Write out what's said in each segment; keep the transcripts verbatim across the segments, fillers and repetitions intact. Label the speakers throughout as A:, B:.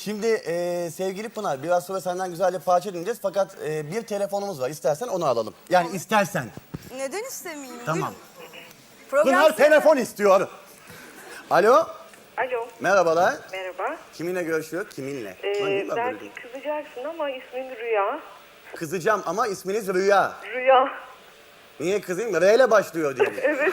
A: Şimdi e, sevgili Pınar, biraz sonra senden güzel bir parça dinleyeceğiz. Fakat e, bir telefonumuz var. İstersen onu alalım. Yani istersen.
B: Neden istemeyeyim?
A: Tamam.
B: Program
A: Pınar
B: size-
A: telefon istiyor. Alo.
C: Alo,
A: Merhabalar.
C: merhaba.
A: Kiminle görüşüyor? Kiminle?
C: Ee,
A: Lan niye ben böyle
C: belki
A: diyorum?
C: kızacaksın ama ismin Rüya.
A: Kızacağım ama isminiz Rüya.
C: Rüya.
A: Niye kızayım? R ile başlıyor diye.
C: Evet.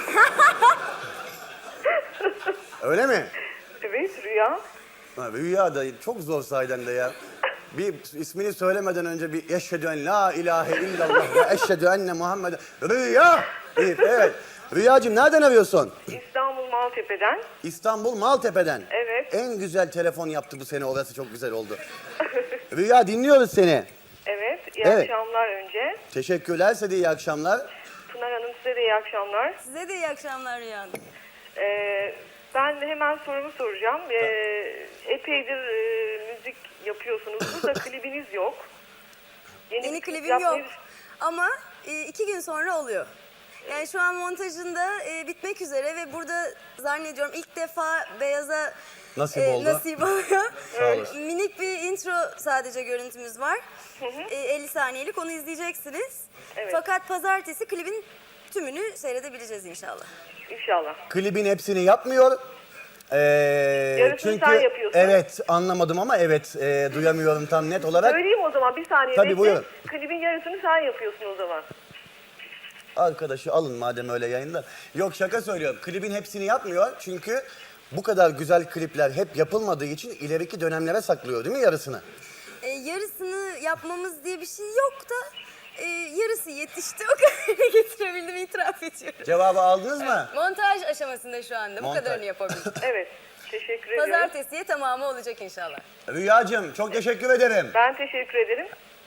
A: Öyle mi?
C: Evet, Rüya.
A: Ha, Rüya da çok zor sahiden de ya. Bir ismini söylemeden önce bir eşhedü en la ilahe illallah ve eşhedü enne Muhammed Rüya deyip, evet. Rüyacığım nereden arıyorsun?
C: İstanbul Maltepe'den.
A: İstanbul Maltepe'den.
C: Evet.
A: En güzel telefon yaptı bu sene, orası çok güzel oldu. Rüya dinliyoruz seni.
C: Evet, iyi
A: Evet.
C: akşamlar önce.
A: Teşekkürler, size de iyi akşamlar.
C: Pınar Hanım size de iyi akşamlar.
B: Size de iyi akşamlar Rüya Hanım.
C: Ee, ben de hemen sorumu soracağım. Ee, epeydir e, müzik yapıyorsunuz. Burada klibiniz yok.
B: Yeni
C: bir klip
B: klibim
C: yapmayı
B: yok ama e, iki gün sonra oluyor. Yani şu an montajında e, bitmek üzere ve burada zannediyorum ilk defa Beyaz'a
A: Nasip
B: e,
A: oldu.
B: nasip oluyor.
A: Sağ olasın.
B: Minik bir intro sadece görüntümüz var. E, elli saniyelik, onu izleyeceksiniz.
C: Evet.
B: Fakat pazartesi klibin tümünü seyredebileceğiz inşallah.
C: İnşallah.
A: Klibin hepsini yapmıyor. Ee,
C: Yarısını
A: çünkü
C: sen yapıyorsun.
A: evet, anlamadım ama evet, e, duyamıyorum tam net olarak.
C: Söyleyeyim o zaman, bir saniye
A: Tabii,
C: bekle.
A: buyurun.
C: Klibin yarısını sen yapıyorsun o zaman.
A: Arkadaşı alın madem öyle yayınlar. Yok, şaka söylüyorum. Klibin hepsini yapmıyor çünkü bu kadar güzel klipler hep yapılmadığı için ileriki dönemlere saklıyor değil mi yarısını?
B: E, yarısını yapmamız diye bir şey yok da e, yarısı yetişti. O kadarını getirebildim, itiraf ediyorum.
A: Cevabı aldınız mı?
B: Montaj aşamasında şu anda.
A: Montaj.
B: Bu kadarını yapabildim.
C: Evet, teşekkür ediyorum.
B: Pazartesiye tamamı olacak inşallah.
A: Rüyacığım çok teşekkür ederim.
C: Ben teşekkür ederim.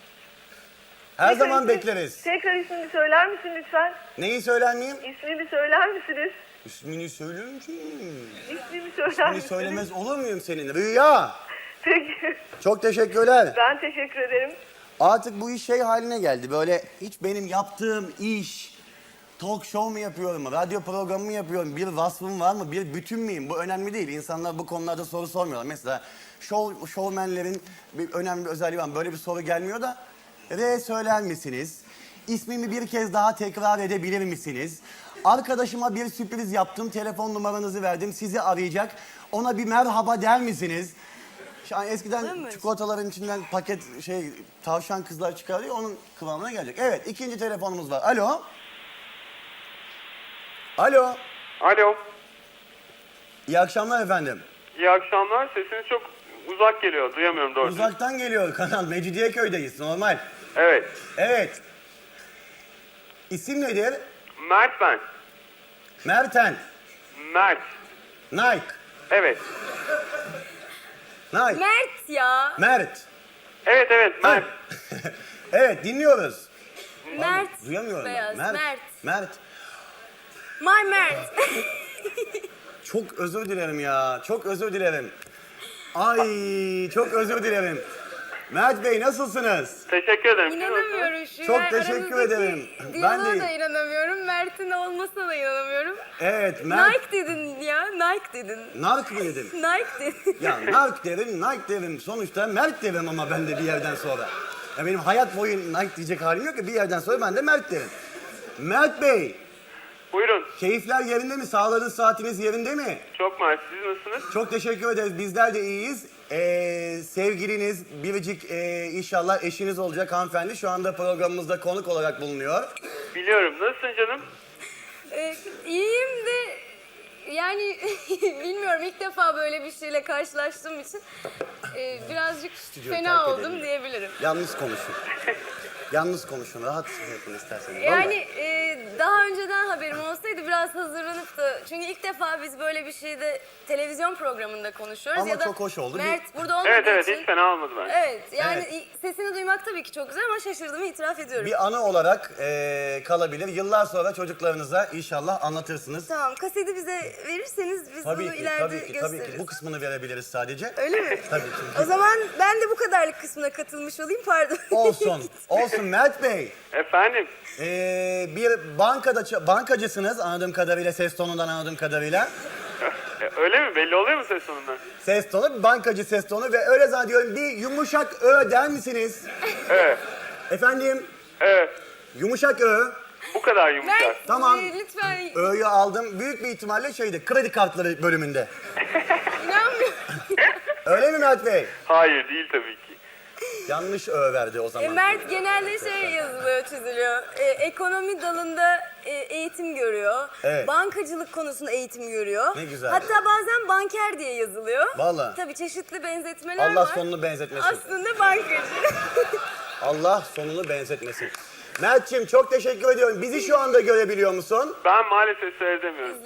A: Her
C: Tekrar
A: zaman
C: ismi-
A: bekleriz.
C: Tekrar ismini söyler misin lütfen?
A: Neyi söyler miyim?
C: İsmini söyler misiniz?
A: İsmini söylerim ki.
C: İsmini söyler
A: İsmini
C: misiniz?
A: söylemez olur muyum senin? Rüya.
C: Peki.
A: Çok teşekkürler.
C: Ben teşekkür ederim.
A: Artık bu iş şey haline geldi. Böyle hiç benim yaptığım iş, talk show mu yapıyorum, radyo programı mı yapıyorum, bir vasfım var mı, bir bütün müyüm? Bu önemli değil. İnsanlar bu konularda soru sormuyorlar. Mesela show, showmenlerin bir önemli bir özelliği var. Böyle bir soru gelmiyor da, R söyler misiniz? İsmimi bir kez daha tekrar edebilir misiniz? Arkadaşıma bir sürpriz yaptım, telefon numaranızı verdim, sizi arayacak. Ona bir merhaba der misiniz? Şu an eskiden
B: Evet.
A: çikolataların içinden paket şey tavşan kızlar çıkarıyor, onun kıvamına gelecek. Evet, ikinci telefonumuz var. Alo. Alo.
D: Alo,
A: İyi akşamlar efendim.
D: iyi akşamlar. Sesiniz çok uzak geliyor, duyamıyorum doğrusu.
A: Uzaktan geliyor kanal. Mecidiyeköy'deyiz, normal.
D: Evet,
A: Evet. İsim nedir?
D: Mert ben.
A: Merten.
D: Mert.
A: Nike.
D: Evet,
A: Nike.
B: Mert ya.
A: Mert.
D: evet, evet, Mert.
A: Evet, dinliyoruz.
B: Mert.
A: Duyamıyorum ben.
B: Beyaz.
A: Mert.
B: Mert.
A: Mert.
B: My Mert.
A: Çok özür dilerim ya. Çok özür dilerim. Ay, çok özür dilerim. Mert Bey nasılsınız?
D: Teşekkür ederim. Siz nasılsınız?
B: İnanamıyorum şu
A: Çok
B: an.
A: teşekkür
B: Aramızdaki
A: ederim. Ben
B: diyaloğa
A: de-
B: da inanamıyorum. Mert'in olmasına da inanamıyorum.
A: Evet, Mert.
B: Nike dedin ya. Nike dedin.
A: Nark mı dedim?
B: Nike dedin.
A: Ya Nark derim, Nike derim. Sonuçta Mert derim ama ben de bir yerden sonra. Ya benim hayat boyu Nike diyecek halim yok ki, bir yerden sonra ben de Mert derim. Mert Bey,
D: Buyurun.
A: keyifler yerinde mi? Sağlığınız, saatiniz yerinde mi?
D: Çok Mert. Siz nasılsınız?
A: Çok teşekkür ederiz. Bizler de iyiyiz. Ee, sevgiliniz, biricik e, inşallah eşiniz olacak hanımefendi şu anda programımızda konuk olarak bulunuyor.
D: Biliyorum. Nasılsın canım?
B: Ee, iyiyim de yani bilmiyorum, ilk defa böyle bir şeyle karşılaştığım için e, birazcık
A: Stüdyoyu
B: fena
A: terk
B: oldum
A: edelim.
B: diyebilirim.
A: Yalnız konuşun. Yalnız konuşun. Rahat yapın isterseniz.
B: Yani
A: Vallahi.
B: e, daha önceden haberim olsaydı biraz hazırlanıp da, çünkü ilk defa biz böyle bir şeyde televizyon programında konuşuyoruz.
A: Ama
B: ya da
A: çok hoş oldu.
B: Mert burada olmadığı
D: Evet, evet.
B: için.
D: Hiç fena olmadı bence.
B: Evet, yani
A: Evet.
B: i- sesini duymak tabii ki çok güzel ama şaşırdığımı itiraf ediyorum.
A: Bir anı olarak e, kalabilir. Yıllar sonra çocuklarınıza inşallah anlatırsınız.
B: Tamam, kaseti bize verirseniz biz
A: Tabii
B: bunu
A: ki,
B: ileride
A: tabii ki,
B: gösteririz.
A: tabii ki. Bu kısmını verebiliriz sadece.
B: Öyle mi?
A: Tabii
B: O
A: ki.
B: zaman ben de bu kadarlık kısmına katılmış olayım, pardon.
A: Olsun, olsun Mert Bey.
D: Efendim?
A: Ee, bir bankada ça- bankacısınız anladığım kadarıyla, ses tonundan anladığım kadarıyla.
D: E, öyle mi? Belli oluyor mu ses tonundan?
A: Ses tonu, bankacı ses tonu ve öyle zannediyorum bir yumuşak ö der misiniz?
D: Evet.
A: Efendim,
D: Evet.
A: yumuşak ö.
D: Bu kadar yumuşak.
B: Mert
A: Tamam.
B: e, lütfen
A: Ö'yü aldım. Büyük bir ihtimalle şeyde, kredi kartları bölümünde.
B: inanmıyorum.
A: Öyle mi Mert Bey?
D: Hayır değil tabii ki.
A: Yanlış ö verdi o
B: E,
A: zaman.
B: Mert genelde şey yazılıyor, çiziliyor. E, ekonomi dalında e, eğitim görüyor.
A: Evet.
B: Bankacılık konusunda eğitim görüyor.
A: Ne güzel.
B: Hatta bazen banker diye yazılıyor.
A: Vallahi.
B: Tabii çeşitli benzetmeler
A: Allah
B: var.
A: sonunu benzetmesin.
B: Aslında bankacı.
A: Allah sonunu benzetmesin. Mert'ciğim çok teşekkür ediyorum. Bizi şu anda görebiliyor musun?
D: Ben maalesef seyredemiyorum.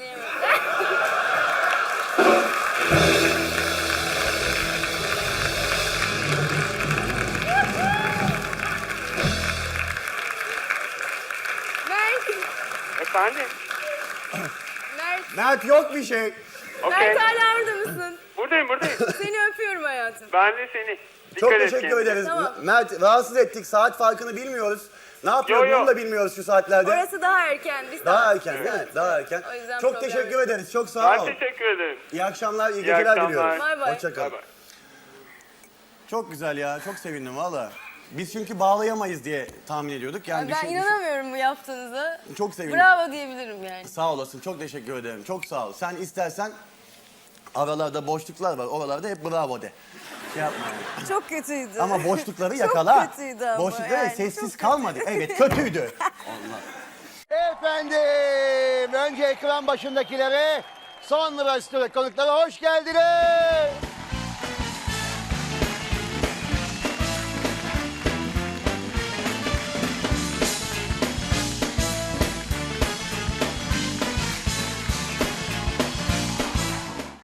B: Mert,
D: Efendim?
B: Mert,
A: Mert yok bir şey.
D: Okey.
B: Mert hala orada mısın?
D: Buradayım buradayım.
B: Seni öpüyorum hayatım.
D: Ben de seni. Dikkat
A: Çok
D: et
A: teşekkür
D: kendine.
A: ederiz.
B: Tamam.
A: Mert rahatsız ettik. Saat farkını bilmiyoruz. Ne yapıyor
D: Yo, yo.
A: bunu da bilmiyoruz şu saatlerde.
B: Orası daha erken. Biz
A: Daha erken değil mi? Daha erken.
B: O yüzden
A: Çok
B: problem
A: teşekkür
B: yok.
A: ederiz. Çok sağ ol.
D: Ben teşekkür ederim.
A: İyi akşamlar, iyi,
D: İyi
A: geceler
D: akşamlar.
A: diliyoruz.
B: Bay bay.
A: Hoşça kal.
D: Bay bay.
A: Çok güzel ya. Çok sevindim valla. Biz çünkü bağlayamayız diye tahmin ediyorduk. Yani
B: ben
A: düşün- düşün-
B: inanamıyorum bu yaptığınıza.
A: Çok sevindim.
B: Bravo diyebilirim yani.
A: Sağ olasın. Çok teşekkür ederim. Çok sağ ol. Sen istersen aralarda boşluklar var. Oralarda hep bravo de. Şey yapma. yani.
B: Çok kötüydü.
A: Ama boşlukları yakala.
B: Çok kötüydü ama
A: Boşlukları
B: yani,
A: sessiz
B: çok
A: kalmadı. Evet kötüydü. Allah.
E: Efendim, önce ekran başındakilere, sonra stüdyo konuklara hoş geldiniz.